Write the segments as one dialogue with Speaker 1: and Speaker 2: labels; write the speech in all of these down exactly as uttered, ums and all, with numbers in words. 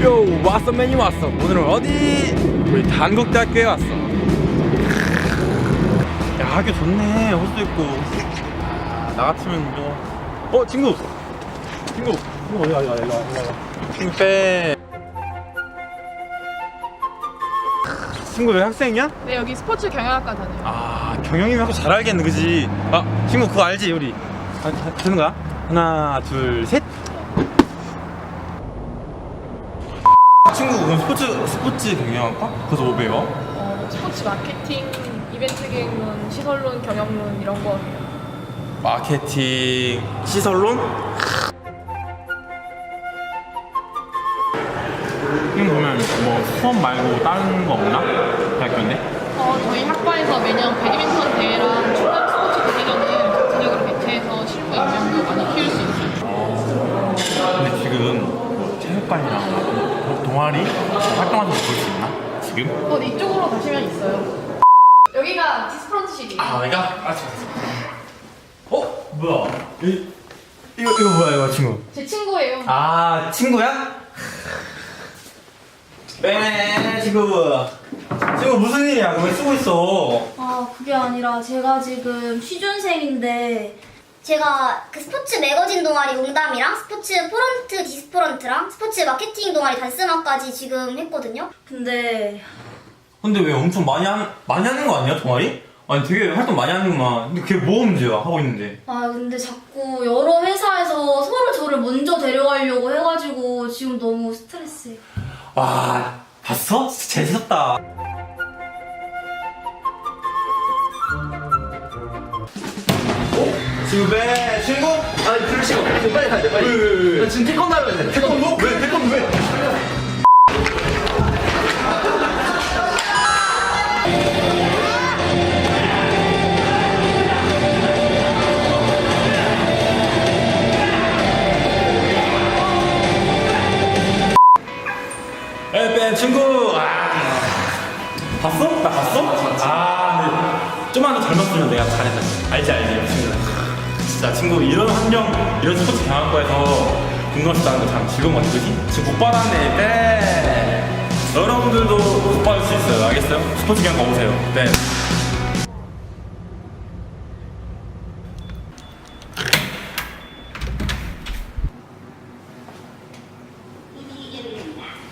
Speaker 1: 요 왔어 맨이 왔어. 오늘은 어디? 우리 단국대학교에 왔어. 야 학교 좋네. 호수도 있고. 아, 나 같으면 이거. 어 친구. 친구. 친구 어디 가? 일로 와 일로 와. 친구 빼. 친구 왜 학생이야?
Speaker 2: 네, 여기 스포츠 경영학과 다녀요.
Speaker 1: 아 경영이면 학교 잘 알겠네 그지? 아 친구 그거 알지 우리? 아, 다, 되는 거야? 하나 둘 셋. 친구 그럼 스포츠 스포츠 경영학과? 그래서 뭐 배워?
Speaker 2: 어, 스포츠 마케팅, 이벤트 기획론, 시설론, 경영론 이런 거 해요.
Speaker 1: 마케팅 시설론? 지금 보면 뭐 수업 말고 다른 거 없나? 대학교인데?
Speaker 2: 어, 저희 학과에서 매년 배드민턴 대회랑 충남 스포츠 대회전을 같은 학으로 개최해서 실무 역량도 많이 키울 수 있어요.
Speaker 1: 근데 지금 뭐 체육관이랑 뭐 동아리 활동하는 거 볼 수 있나? 지금?
Speaker 2: 어, 이쪽으로 가시면 있어요. 여기가 디스프런트실이에요.
Speaker 1: 아 내가? 아 잠깐. 어? 뭐야? 이, 이거 이거 뭐야 이거 친구?
Speaker 2: 제 친구예요.
Speaker 1: 아 친구야? 빼네 친구. 친구 무슨 일이야? 왜 쓰고 있어?
Speaker 3: 아, 그게 아니라 제가 지금 취준생인데
Speaker 4: 제가 그 스포츠 매거진 동아리 웅담이랑 스포츠 프런트 디스프런트랑 스포츠 마케팅 동아리 단스마까지 지금 했거든요.
Speaker 3: 근데
Speaker 1: 근데 왜 엄청 많이 한 많이 하는 거 아니야 동아리? 아니 되게 활동 많이 하는구만. 근데 그게 뭐 문제야 하고 있는데?
Speaker 3: 아 근데 자꾸 여러 회사에서 서로 저를 먼저 데려가려고 해가지고 지금 너무 스트레스예요.
Speaker 1: 와 봤어? 재밌었다. 친구 배 친구?
Speaker 5: 아니 그럴 시간 없어. 빨리 가야 돼 빨리.
Speaker 1: 왜, 왜, 왜?
Speaker 5: 나 지금 태권도 하러 가야 돼.
Speaker 1: 태권도? 왜? 태권도 왜? 에빼 친구. 아 봤어? 나 봤어? 아 근데 좀만 더 젊었으면 내가 잘했다. 알지 알지 친구. 진짜 친구 이런 환경 이런 스포츠 경학과에서 공부하셨다는 거 참 즐거운 것 같아 그지? 지금 못 받았네 빼. 여러분들도 못 받을 수 있어요 알겠어요? 스포츠 경학과 오세요 네.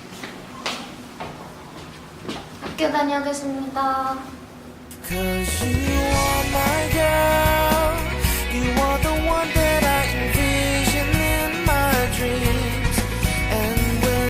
Speaker 3: 학교 다녀오겠습니다.
Speaker 6: Cause you